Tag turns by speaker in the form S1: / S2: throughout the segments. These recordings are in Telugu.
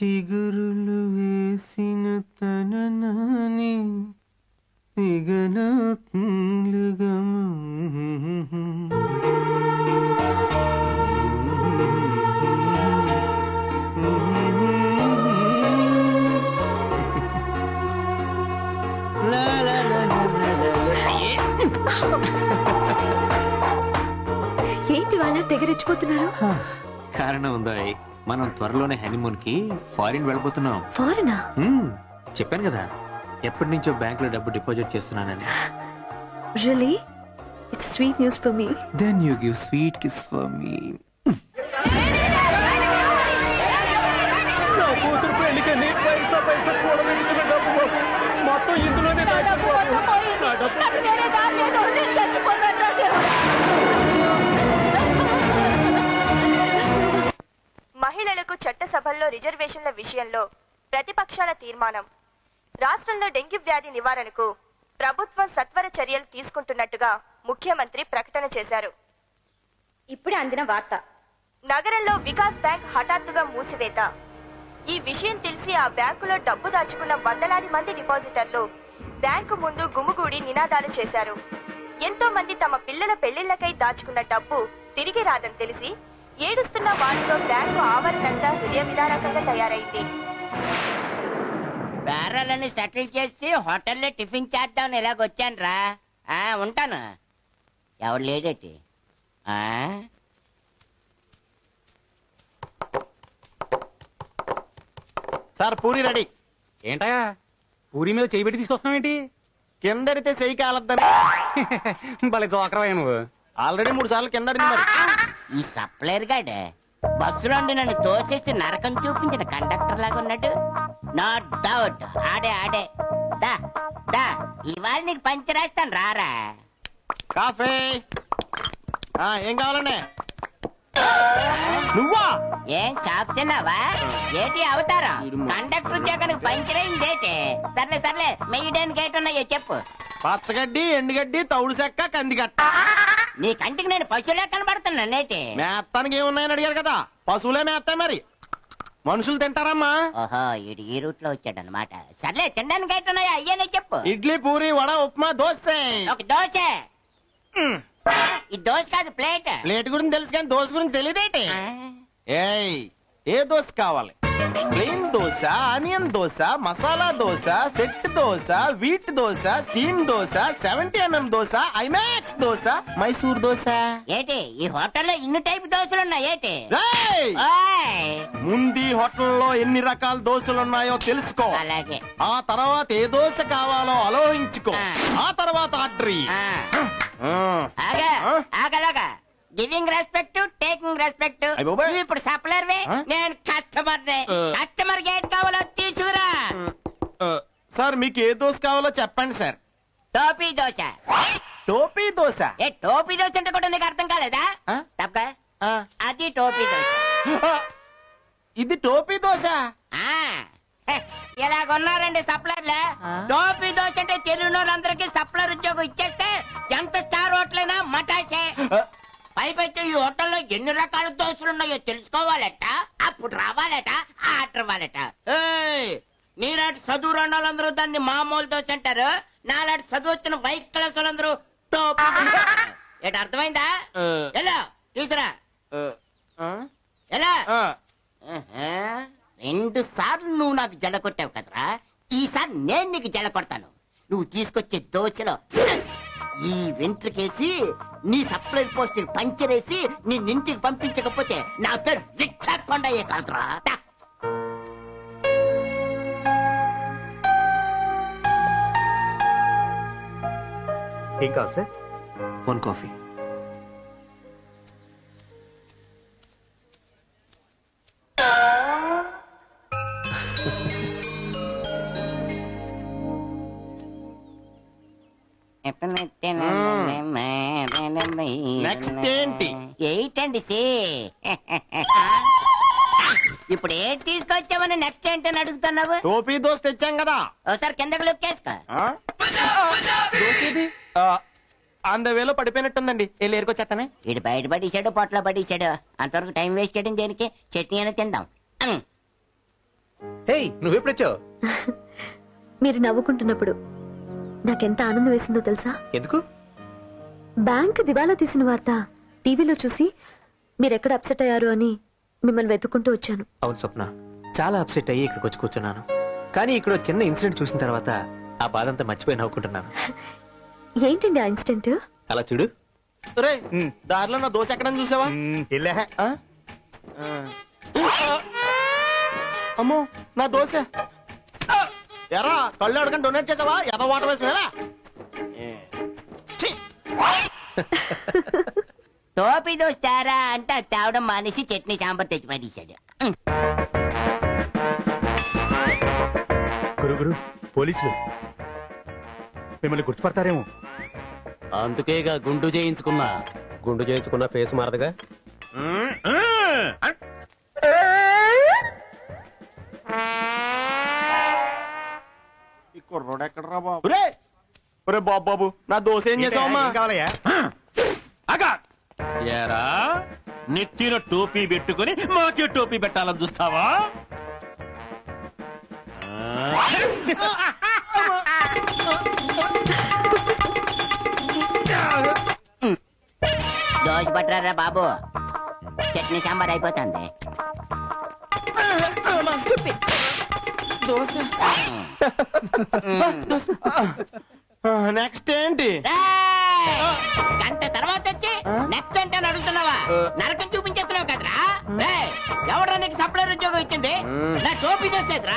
S1: చిగురులు వేసిన తననాని దిగనాత్మలుగము
S2: ఏంటి వాళ్ళ తెగరెచ్చిపోతున్నారు?
S1: కారణం ఉందా? మనం త్వరలోనే హనీమూన్ కి ఫారిన్ వెళ్ళిపోతున్నాం.
S2: ఫారినా?
S1: చెప్పాను కదా, ఎప్పటి నుంచో బ్యాంక్ లో డబ్బు డిపాజిట్ చేస్తున్నానని.
S2: Really? It's sweet news for me.
S1: Then you give sweet kiss for me. నా కూతురు పెళ్లికని పైసా కూడబెట్టిన డబ్బు మొత్తం ఇందులోనే
S3: మహిళలకు చట్టసభల్లో రిజర్వేషన్ల విషయంలో ప్రతిపక్షాల తీర్మానం. రాష్ట్రంలో డెంగ్యూ వ్యాధి నివారణకు ప్రభుత్వం సత్వర చర్యలు తీసుకుంటున్నట్టుగా ముఖ్యమంత్రి ప్రకటన చేశారు.
S4: ఇప్పుడే అందిన వార్త.
S3: నగరంలో వికాస్ బ్యాంక్ హఠాత్తుగా మూసివేత. ఈ విషయం తెలిసి ఆ బ్యాంకులో డబ్బు దాచుకున్న వందలాది మంది డిపాజిటర్లు బ్యాంకు ముందు గుమిగూడి నినాదాలు చేశారు. ఎంతో మంది తమ పిల్లల పెళ్లిళ్లకై దాచుకున్న డబ్బు తిరిగి రాదని తెలిసి ఏడుస్తున్న వారితో బ్యాంకు ఆవరణంతా హృదయ విదారకంగా తయారైంది.
S5: బేరాలని సెటిల్ చేసి హోటల్లో టిఫిన్ చేద్దామని ఇలాగొచ్చాను రా. ఉంటాను. ఎవడు లేడేటి?
S6: Sir puri ready.
S7: ఏంటయా పూరి మీద చేయి పెట్టి తీసుకొస్తున్నావేంటి?
S6: కిందడితే చెయ్యి కాలద్దని.
S7: భలే జోకరవయ్యా నువ్వు.
S6: ఆల్రెడీ 3 సార్లు కిందడింది మరి.
S5: ఈ సప్లైర్ గాడే బస్సులో నన్ను తోసేసి నరకం చూపించిన కండక్టర్ లాగా ఉన్నాడు. నో డౌట్ ఆడే దా దా ఇవాళ నీకు పంచరేస్తాను రారా.
S6: కాఫీ ఏం కావాలండి? నువ్వా?
S5: ఏం షాప్ తిన్నావా? ఏటి అవతారం? కండక్టర్ ఉద్యోగానికి పంచరైందేటి? సర్లే మెయ్యడానికి ఏటున్నాయో చెప్పు.
S6: పచ్చగడ్డి, ఎండుగడ్డి, తౌడు చెక్క, కందిగట్ట.
S5: నీ కంటికి నేను పశువులే కనబడుతున్నా నేటి.
S6: మేత్తానికి ఏమున్నాయని అడిగారు కదా, పశువులే మేస్తాయి మరి. మనుషులు తింటారమ్మా.
S5: ఓహో ఇడు ఈ రూట్ లో వచ్చాడనమాట. సర్లే తినడానికి ఏటున్నాయో అయ్యనే చెప్పు.
S6: ఇడ్లీ, పూరి, వడ, ఉప్మా, దోశ.
S5: ఒక దోశ. ఈ దోశ కాదు ప్లేట్.
S6: ప్లేట్ గురించి తెలుసు కానీ దోశ గురించి తెలియదేటి. ఏయ్ ఏ దోశ కావాలి? Plain dosa, onion dosa, masala dosa, set dosa, wheat dosa, steam dosa, 70mm dosa, IMAX dosa, Mysore dosa.
S5: ఏటి ఈ హోటల్లో ఇన్ని టైప్ దోశలు ఉన్నాయి ఏటి?
S6: ముందు హోటల్లో ఎన్ని రకాల దోశలు ఉన్నాయో తెలుసుకో.
S5: అలాగే.
S6: ఆ తర్వాత ఏ దోశ కావాలో ఆలోచించుకో. ఆ తర్వాత ఆర్డర్.
S5: ఆగలాగా గివింగ్ రెస్పెక్ట్, టేకింగ్ రెస్పెక్ట్. ఇప్పుడు సప్లర్ నేను కస్టమర్. కస్టమర్ గేట్ కావాలో తీసుకురా.
S6: సార్ మీకు ఏ దోశ కావాలో చెప్పండి సార్.
S5: టోపీ దోశ.
S6: టోపీ దోశ?
S5: ఏ టోపీ దోశ అంటే కూడా నీకు అర్థం కాలేదా? తప్ప అది టోపీ దోశ.
S6: ఇది టోపీ దోశ.
S5: ఇలాగున్నారండి సప్లర్లే. టోపీ దోశ అంటే తెలుగునోళ్ళందరికీ సప్లర్ ఉద్యోగం ఇచ్చేస్తే ఎంత స్టార్ హోటలైనా మటాసే. పైపెచ్చి ఈ హోటల్లో ఎన్ని రకాల దోశలున్నాయో తెలుసుకోవాలట, అప్పుడు రావాలట, ఆర్డర్ ఇవ్వాలట. నీలాంటి చదువు రెండాలందరూ దాన్ని మామూలు దోశ అంటారు. నాలాంటి చదువు వచ్చిన వైట్ క్లాస్ వాళ్ళందరూ టోపీ. ఏంటి అర్థమైందా? ఎలా తీసురా ఎలా? 2 సార్లు నువ్వు నాకు జడ కొట్టావు కదరా, ఈసారి నేను నీకు జడ కొడతాను. నువ్వు తీసుకొచ్చే దోశలో ఈ వెంట్రుకేసి నీ సప్లై పోస్ట్ పంచరేసి నీ ఇంటికి పంపించకపోతే నా పేరు రిక్షా కొండయ్యే కాదురా.
S8: ఏం కావాలి సార్?
S1: 1 కాఫీ.
S6: నెక్స్ట్ ఏంటి?
S5: ఏంటండి ఇప్పుడు ఏం తీసుకొచ్చామని నెక్స్ట్ ఏంటని అడుగుతున్నావు?
S6: టోపీ దోశ తెచ్చాం కదా.
S5: ఒకసారి కిందకి లొక్కేసుకో.
S6: వేలో పడిపోయినట్టుందండి. వెళ్ళి ఏరుకొచ్చేస్తానే.
S5: ఇటు బయట పడేసాడు, పొట్లో పడేసాడు. అంతవరకు టైం వేస్ట్ చేయడం దేనికి? చట్నీ అయినా తిందాం.
S7: హేయ్ నువ్వెప్పుడొచ్చావు?
S2: మీరు నవ్వుకుంటున్నప్పుడు నాకెంత ఆనందం వేసిందో తెలుసా?
S7: ఎందుకు?
S2: బ్యాంక్ దివాలా తీసిన వార్త టీవీలో చూసి మీరెక్కడ అప్సెట్ అయ్యారు అని మిమ్మల్ని వెతుక్కుంటూ వచ్చాను.
S9: అవును స్వప్న, చాలా అప్సెట్ అయ్యి ఇక్కడికి వచ్చి కూర్చున్నాను. కానీ ఇక్కడ చిన్న ఇన్సిడెంట్ చూసిన తర్వాత ఆ బాధ అంతా మర్చిపోయి నవ్వుకుంటున్నాను.
S2: ఏంటండి ఆ ఇన్సిడెంట్?
S9: అలా చూడు.
S6: రే దారిలో నా దోశ ఎక్కడని చూసావా?
S8: ఇల్లే
S6: ఆ? ఆ. అమ్మో నా దోశ. ఎరా కళ్ళు అడగని డొనేట్ చేసావా? ఎదో వాటర్ వేసుకునేలా.
S5: టోపీ దోశ తేరా అంటే అది తేవడం మానేసి చట్నీ సాంబార్ తెచ్చి పడేశాడు.
S8: గురు పోలీసులు మిమ్మల్ని గుర్తుపడతారేమో.
S1: అందుకేగా గుండు చేయించుకున్నా. గుండు చేయించుకున్న ఫేస్ మారదుగా.
S6: ఈ కుర్రోడు ఎక్కడరా బాబు? రే ఒరే బాబు బాబు నా దోశ ఏం చేసావమ్మా?
S8: ఏం కావాలయ్యా?
S1: ఏరా నెత్తిన టోపీ పెట్టుకుని మాకే టోపీ పెట్టాలని చూస్తావా?
S5: దోశ పట్టరా బాబు, చట్నీ సాంబార్ అయిపోతుంది.
S6: దోశ నెక్స్ట్ ఏంటి?
S5: గంట తర్వాత వచ్చి నెక్స్ట్ అంటే అడుగుతున్నావా? నరకం చూపించేస్తున్నావు కదరా. ఎవడరా నీకు సప్లైర్ ఉద్యోగం ఇచ్చింది? నా టోపీ దోసేదిరా.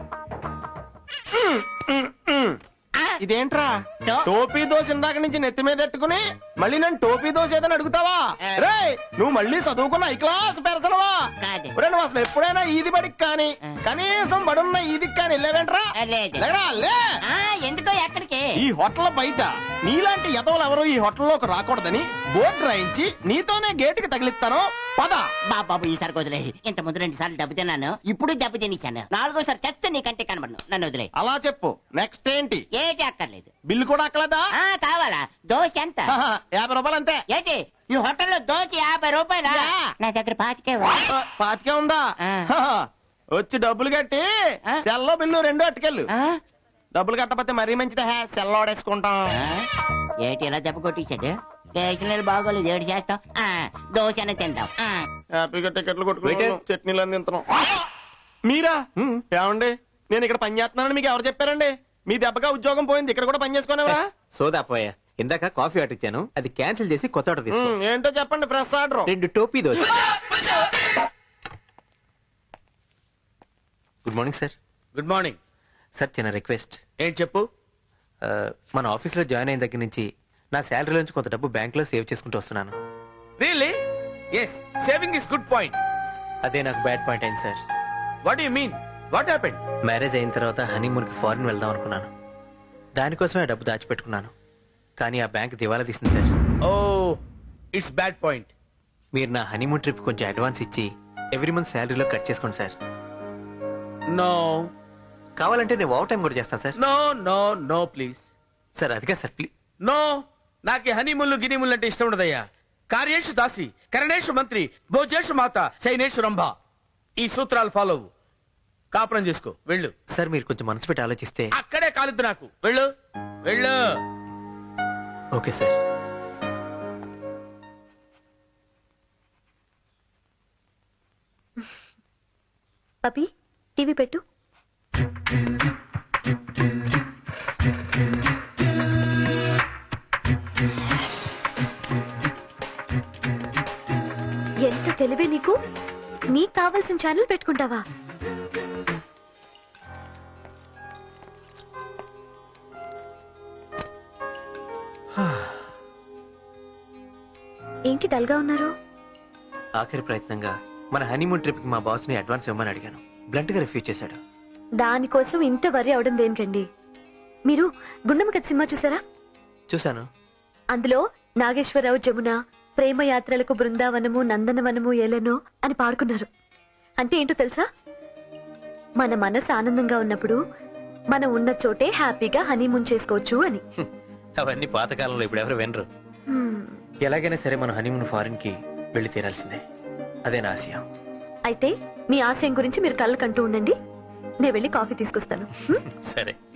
S6: ఇదేంట్రా టోపీ దోశ ఇందాక నుంచి నెత్తి మీద పెట్టుకుని మళ్ళీ నన్ను టోపీ దోశ ఏదని అడుగుతావా? రే నువ్వు మళ్ళీ చదువుకున్న ఐ క్లాస్ పెరసనవా?
S5: కాదు.
S6: నువ్వు అసలు ఎప్పుడైనా ఈది బడికి కానీ కనీసం బడున్న ఈదికి కానీ వెళ్ళావేంట్రా?
S5: లేదు.
S6: లేరా, లే.
S5: ఎందుకో ఎక్కడికి?
S6: ఈ హోటల్ బయట నీలాంటి ఎదవలు ఎవరు ఈ హోటల్లోకి రాకూడదని బోర్డు రాయించి నీతోనే గేటుకి తగిలిస్తాను. పద
S5: బాబు ఈసారి వదిలే. ఇంత ముందు 2 సార్లు దెబ్బ తిన్నాను, ఇప్పుడు దెబ్బ తినేశాను. 4గోసారి చస్తే నీకంటే కనబడను. నన్ను వదిలే.
S6: అలా చెప్పు. నెక్స్ట్ ఏంటి?
S5: ఏటి అక్కర్లేదు.
S6: బిల్లు కూడా అక్కలేదా?
S5: కావాలా? దోశ ఎంత?
S6: 50 రూపాయలు అంతే.
S5: ఏంటి ఈ హోటల్లో దోశ 50 రూపాయలా? నా దగ్గర 25.
S6: పాతికే ఉందా? వచ్చి డబ్బులు కట్టి సెల్లో బిల్లు 2 అట్టుకెళ్ళు. డబ్బులు కట్టకపోతే మరీ మంచిదే. సెల్ ఓడేసుకుంటాం.
S5: ఏటి ఇలా దెబ్బ కొట్టించాడు? స్టేషనరీ బాగోలేదు. ఏడు చేస్తాం. దోశ అనే తింటాం.
S6: హ్యాపీగా టికెట్లు కొట్టుకుంటే చట్నీలు అన్ని తింటున్నాం. మీరా? ఏమండి నేను ఇక్కడ పని చేస్తున్నానని మీకు ఎవరు చెప్పారండి? మీ దెబ్బగా ఉద్యోగం పోయింది, ఇక్కడ కూడా పని చేసుకునేవా?
S9: సోదా పోయా. ఇందాక కాఫీ ఆర్డర్ ఇచ్చాను, అది క్యాన్సిల్ చేసి కొత్త ఆర్డర్ తీసుకో.
S6: ఏంటో చెప్పండి. Fresh order.
S9: 2 టోపీ dosa. Good morning sir.
S1: Good morning
S9: sir, చిన్న రిక్వెస్ట్.
S1: ఏం చెప్పు?
S9: మన ఆఫీస్లో జాయిన్ అయిన దగ్గర నుంచి నా శాలరీ నుంచి కొంత డబ్బు బ్యాంక్ లో సేవ్ చేసుకుంటూ వస్తున్నాను.
S1: Really? Yes, saving is good point.
S9: అదే నాకు బ్యాడ్ పాయింట్ అయింది sir.
S1: What you mean? What happened?
S9: Marriage అయిన తర్వాత హనీమూన్ కి ఫారిన్ వెళ్దాం అనుకున్నాను. దానికోసమే ఆ డబ్బు దాచిపెట్టుకున్నాను. కానీ ఆ బ్యాంక్ దివాలా తీసింది sir.
S1: Oh, it's bad point.
S9: మీరు నా హనీమూన్ ట్రిప్ కొంచెం అడ్వాన్స్ ఇచ్చి ఎవ్రీ మంత్ శాలరీలో కట్ చేసుకోండి సార్.
S1: నో.
S9: కావాలంటే నేను ఓవర్ టైం కూడా చేస్తాను sir.
S1: No no no please.
S9: Sir అదిగా సార్, ప్లీజ్.
S1: నో, నాకు హనీముళ్ళు గినిముళ్ళు అంటే ఇష్టం ఉండదయ్యా. కార్యేషు దాసి, కరణేషు మంత్రి, భోజేషు మాత, శైనేషు రంభ. ఈ సూత్రాలు ఫాలో అవ్వు. కాపురం చేసుకో. వెళ్ళు.
S9: సార్ మీరు కొంచెం మనసు పెట్టి ఆలోచిస్తే.
S1: అక్కడే కాలుద్దు నాకు. వెళ్ళు వెళ్ళు.
S9: Okay sir.
S2: పపి టీవీ పెట్టు. ఎంత తెలివే నీకు. నీకు కావాల్సిన ఛానల్ పెట్టుకుంటావా? ఏంటి డల్గా ఉన్నారు?
S9: ఆఖరి ప్రయత్నంగా మన హనీమూన్ ట్రిప్ కి మా బాస్ ని అడ్వాన్స్ ఇవ్వమని అడిగాను. బ్లంట్ గా రిఫ్యూజ్ చేశాడు.
S2: దానికోసం ఇంత వరి అవడం దేనికండి? మీరు గుండమ్మ కథ సినిమా చూసారా?
S9: చూశాను.
S2: అందులో నాగేశ్వరరావు జమున ప్రేమ యాత్రలకు బృందావనము నందనవనము ఏలనో అని పాడుకున్నారు. అంటే ఏంటో తెలుసా? మన మనసు ఆనందంగా ఉన్నప్పుడు మనం ఉన్న చోటే హ్యాపీగా హనీమూన్ చేసుకోవచ్చు అని.
S9: అవన్నీ పాతకాలంలో ఇప్పుడు ఎవరు వినరు. ఎలాగైనా సరే మన హనీమూన్ ఫారిన్ కి వెళ్లి తీరాల్సిందే. అదే నా ఆశయం.
S2: అయితే మీ ఆశయం గురించి మీరు కళ్ళకంటూ ఉండండి. నేను వెళ్ళి కాఫీ తీసుకొస్తాను హ్మ్?
S9: సరే